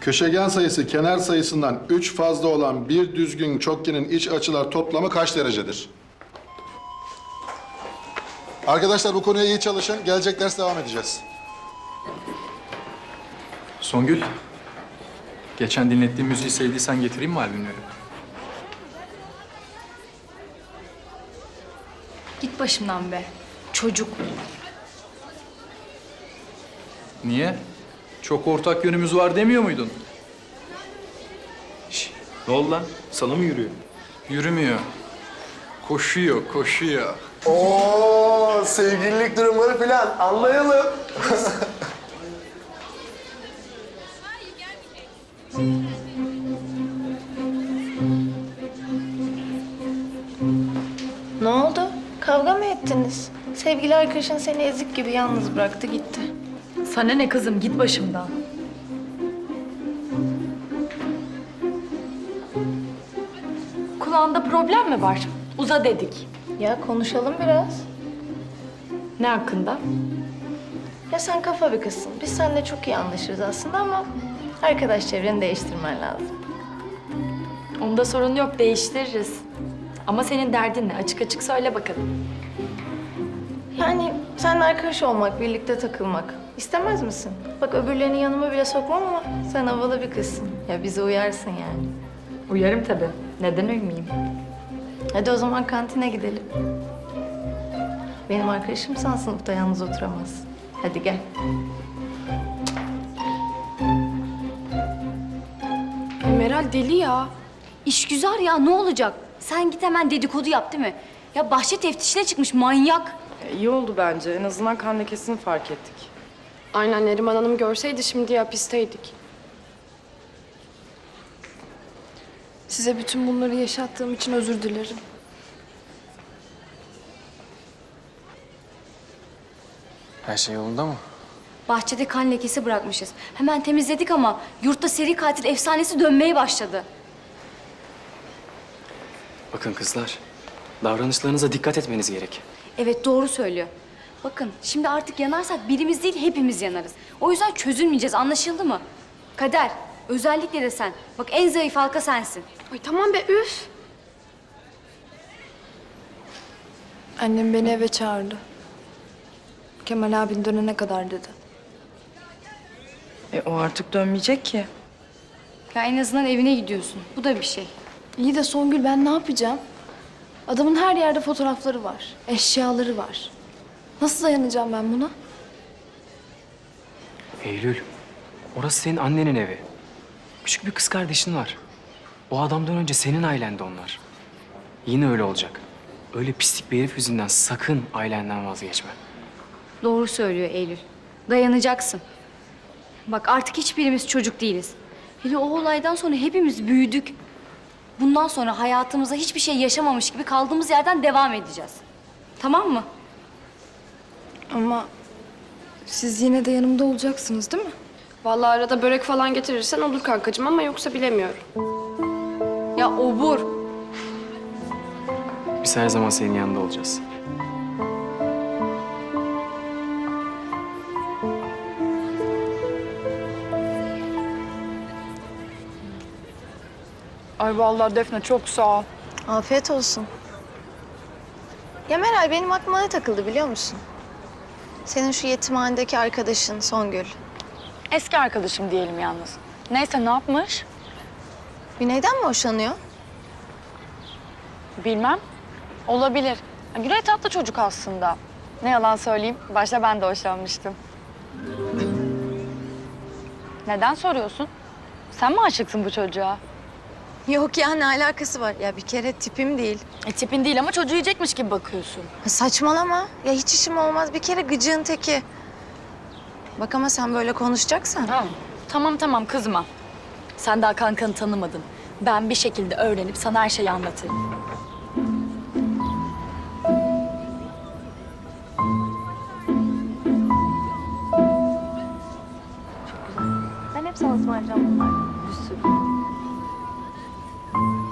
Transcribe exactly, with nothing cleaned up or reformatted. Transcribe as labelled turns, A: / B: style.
A: Köşegen sayısı kenar sayısından üç fazla olan bir düzgün çokgenin iç açılar toplamı kaç derecedir? Arkadaşlar bu konuya iyi çalışın. Gelecek ders devam edeceğiz.
B: Songül, geçen dinlettiğim müziği sevdiysen getireyim mi albümleri?
C: Git başımdan be. Çocuk.
B: Niye? Çok ortak yönümüz var demiyor muydun?
D: Şş, ne oldu lan? Sana mı yürüyor?
B: Yürümüyor. Koşuyor, koşuyor.
E: Oo, sevgililik durumları falan anlayalım.
F: Ne oldu? Kavga mı ettiniz? Sevgili arkadaşın seni ezik gibi yalnız bıraktı gitti.
C: Sana ne kızım, git başımdan. Kulağında problem mi var? Uza dedik.
F: Ya konuşalım biraz.
C: Ne hakkında?
F: Ya sen kafa bir kızsın. Biz seninle çok iyi anlaşırız aslında ama arkadaş çevreni değiştirmen lazım.
C: Onda sorun yok, değiştiririz. Ama senin derdin ne? Açık açık söyle bakalım.
F: Yani seninle arkadaş olmak, birlikte takılmak istemez misin? Bak öbürlerini yanıma bile sokmam ama sen havalı bir kızsın. Ya bize uyarsın yani.
C: Uyarım tabii. Neden uymayayım?
F: Hadi o zaman kantine gidelim. Benim arkadaşımsan sınıfta yalnız oturamaz. Hadi gel.
G: Meral deli ya.
H: İşgüzar ya, ne olacak? Sen git hemen dedikodu yap değil mi? Ya bahçe teftişine çıkmış manyak.
I: İyi oldu bence. En azından kan lekesini fark ettik.
G: Aynen, Neriman Hanım görseydi şimdi hapisteydik. Size bütün bunları yaşattığım için özür dilerim.
D: Her şey yolunda mı?
H: Bahçede kan lekesi bırakmışız. Hemen temizledik ama yurtta seri katil efsanesi dönmeye başladı.
D: Bakın kızlar, davranışlarınıza dikkat etmeniz gerek.
H: Evet, doğru söylüyor. Bakın şimdi artık yanarsak birimiz değil hepimiz yanarız. O yüzden çözülmeyeceğiz, anlaşıldı mı? Kader, özellikle de sen. Bak en zayıf halka sensin.
G: Ay tamam be, üf. Annem beni eve çağırdı. Kemal abin dönene kadar dedi.
I: E o artık dönmeyecek ki.
H: Ya en azından evine gidiyorsun. Bu da bir şey.
G: İyi de Songül, ben ne yapacağım? Adamın her yerde fotoğrafları var, eşyaları var. Nasıl dayanacağım ben buna?
D: Eylül, orası senin annenin evi. Küçük bir kız kardeşin var. O adamdan önce senin ailendi onlar. Yine öyle olacak. Öyle pislik bir herif yüzünden sakın ailenden vazgeçme.
H: Doğru söylüyor Eylül. Dayanacaksın. Bak artık hiçbirimiz çocuk değiliz. Hele o olaydan sonra hepimiz büyüdük. Bundan sonra hayatımızda hiçbir şey yaşamamış gibi kaldığımız yerden devam edeceğiz. Tamam mı?
G: Ama siz yine de yanımda olacaksınız değil mi? Vallahi arada börek falan getirirsen olur kankacığım ama yoksa bilemiyorum.
H: Ya obur.
D: Biz her zaman senin yanında olacağız.
I: Ay vallahi Defne çok sağ ol.
F: Afiyet olsun. Ya Meral benim aklıma ne takıldı biliyor musun? Senin şu yetimhanedeki arkadaşın Songül.
I: Eski arkadaşım diyelim yalnız. Neyse ne yapmış?
F: Güney'den mi hoşlanıyor?
I: Bilmem. Olabilir. Güney tatlı çocuk aslında. Ne yalan söyleyeyim, başta ben de hoşlanmıştım. Neden soruyorsun? Sen mi aşıksın bu çocuğa?
F: Yok ya ne alakası var? Ya bir kere tipim değil.
I: E, tipin değil ama çocuğu yiyecekmiş gibi bakıyorsun.
F: Ha, saçmalama. Ya hiç işim olmaz. Bir kere gıcığın teki. Bak ama sen böyle konuşacaksan.
I: Ha. Tamam tamam kızma. Sen daha kankanı tanımadın. Ben bir şekilde öğrenip sana her şeyi anlatırım.
F: Ben hep sana ısmarlayacağım bunlardan. Bir sürü.